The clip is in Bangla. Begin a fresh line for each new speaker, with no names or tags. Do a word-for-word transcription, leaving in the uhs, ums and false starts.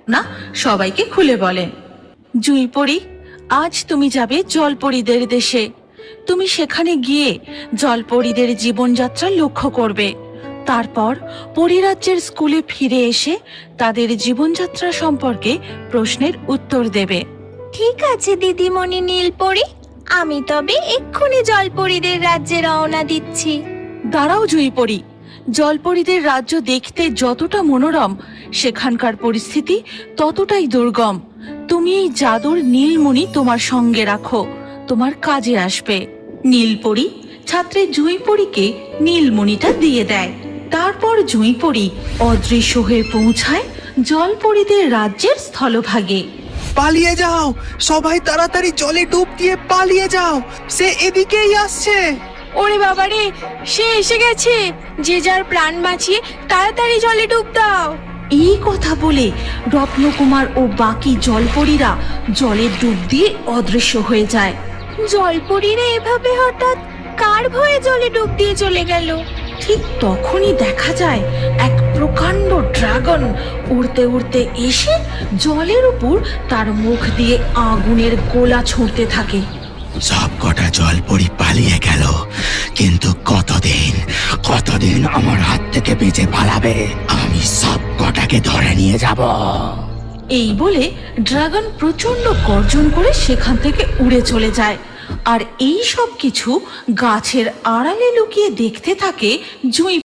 ভাবনা সবাইকে খুলে বলেন। জুঁইপড়ি, আজ তুমি যাবে জলপরীদের দেশে। তুমি সেখানে গিয়ে জলপরীদের জীবনযাত্রা লক্ষ্য করবে। তারপর পরিরাজ্যের স্কুলে ফিরে এসে তাদের জীবনযাত্রা সম্পর্কে প্রশ্নের উত্তর দেবে।
ঠিক আছে দিদিমণি নীলপরি, আমি তবে এক্ষুনি জলপরীদের রাজ্যে রওনা দিচ্ছি।
দাঁড়াও জুঁইপড়ি, জলপরীদের রাজ্য দেখতে যতটা মনোরম, সেখানকার পরিস্থিতি ততটাই দুর্গম। তুমি এই জাদুর নীলমণি তোমার সঙ্গে রাখো, তোমার কাজে আসবে। নীলপরি ছাত্রী জুঁইপড়িকে নীলমণিটা দিয়ে দেয়। তারপর জুঁইপড়ি অদৃশ্য হয়ে পৌঁছায় জলপরীদের রাজ্যের স্থলভাগে।
পালিয়ে যাও সবাই, তাড়াতাড়ি জলে ডুব দিয়ে পালিয়ে যাও, সে এদিকেই আসছে।
ওরে বাবারে, সে এসে গেছে! যে যার প্রাণ বাঁচিয়ে তাড়াতাড়ি জলে ডুব দাও।
এই কথা বলে রত্নকুমার ও বাকি জলপরীরা জলে ডুব দিয়ে অদৃশ্য হয়ে যায়।
জলপরীরা এভাবে হঠাৎ কার ভয়ে জলে ডুব দিয়ে চলে গেল?
ঠিক তখনই দেখা যায় এক প্রকাণ্ড ড্রাগন উড়তে উড়তে এসে জলের উপর তার মুখ দিয়ে আগুনের গোলা ছুঁড়তে থাকে।
সব কটা জলপরি পালিয়ে গেল, কিন্তু কতদিন কতদিন আমার হাত থেকে বেঁচে পালাবে? আমি সব কটাকে ধরে নিয়ে যাব।
এই বলে ড্রাগন প্রচন্ড গর্জন করে সেখান থেকে উড়ে চলে যায়। আর এই সব কিছু গাছের আড়ালে লুকিয়ে দেখতে থাকে জুঁই।